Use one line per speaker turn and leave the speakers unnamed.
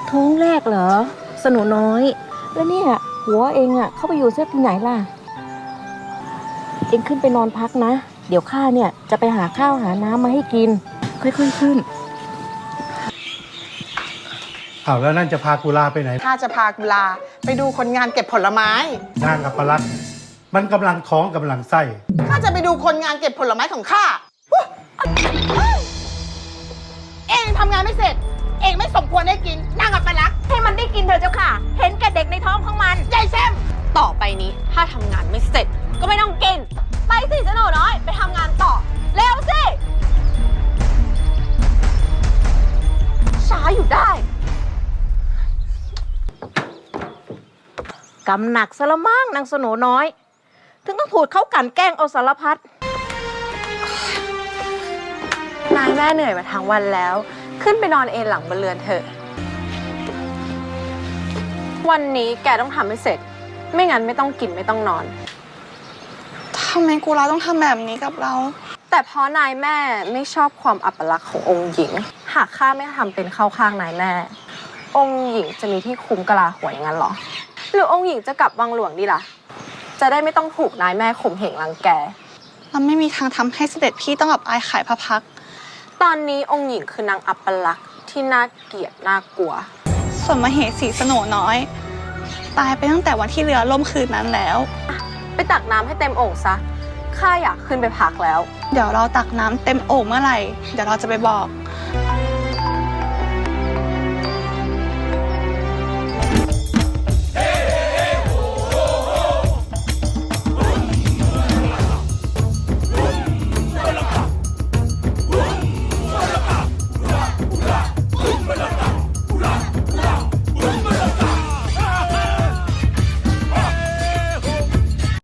ท้องแรกเหรอสนุน้อยแล้วเนี่ยหัวเองเข้าไปอยู่เสียที่ไหนล่ะเองขึ้นไปนอนพักนะเดี๋ยวข้าเนี่ยจะไปหาข้าวหาน้ำมาให้กินค่อยๆขึ้น
อ้าวแล้วนั่นจะพากุลาไปไหน
ข้าจะพากุลาไปดูคนงานเก็บผลไม้
นางอัปลักษณ์มันกำลังท้องกำลังไส้
ข้าจะไปดูคนงานเก็บผลไม้ของข้าเองทำงานไม่เสร็จเองไม่สมควรได้กินนางอัปลักษณ์
ให้มันได้กินเถอะเจ้าค่ะเห็นแก่เด็กในท้องของมัน
ยายแซม
ต่อไปนี้ถ้าทำงานไม่เสร็จก็ไม่ต้องกินไปสิเจ้าหนูน้อยไปทำงานต่อเร็วสิช้าอยู่ได้
กำหนักซะละมั่งนางสโหนน้อยถึงต้องถูกเขากั่นแกล้งเอาสารพัด
นายแม่เหนื่อยมาทั้งวันแล้วขึ้นไปนอนเอนหลังบนเรือนเถอะวันนี้แกต้องทำให้เสร็จไม่งั้นไม่ต้องกินไม่ต้องนอน
ทำไมกุลาต้องทำแบบนี้กับเรา
แต่เพราะนายแม่ไม่ชอบความอัปลักษณ์ขององค์หญิงหากข้าไม่ทำเป็นเข้าข้างนายแม่องค์หญิงจะมีที่คุ้มกะลาหัวอย่างนั้นหรอหรือองค์หญิงจะกลับวังหลวงดีล่ะจะได้ไม่ต้องถูกนายแม่ข่มเหงรังแก
เราไม่มีทางทำให้เสด็จพี่ต้องอับอายขายพระพัก
ตอนนี้องค์หญิงคือนางอัปลักษณ์ที่น่าเกลียดน่ากลัว
ส่วนมเหสีสโหนน้อยตายไปตั้งแต่วันที่เรือล่มคืนนั้นแล้ว
ไปตักน้ำให้เต็มโอ่งซะข้าอยากขึ้นไปพักแล้ว
เดี๋ยวเราตักน้ำเต็มโอ่งเมื่อไหร่เดี๋ยวเราจะไปบอก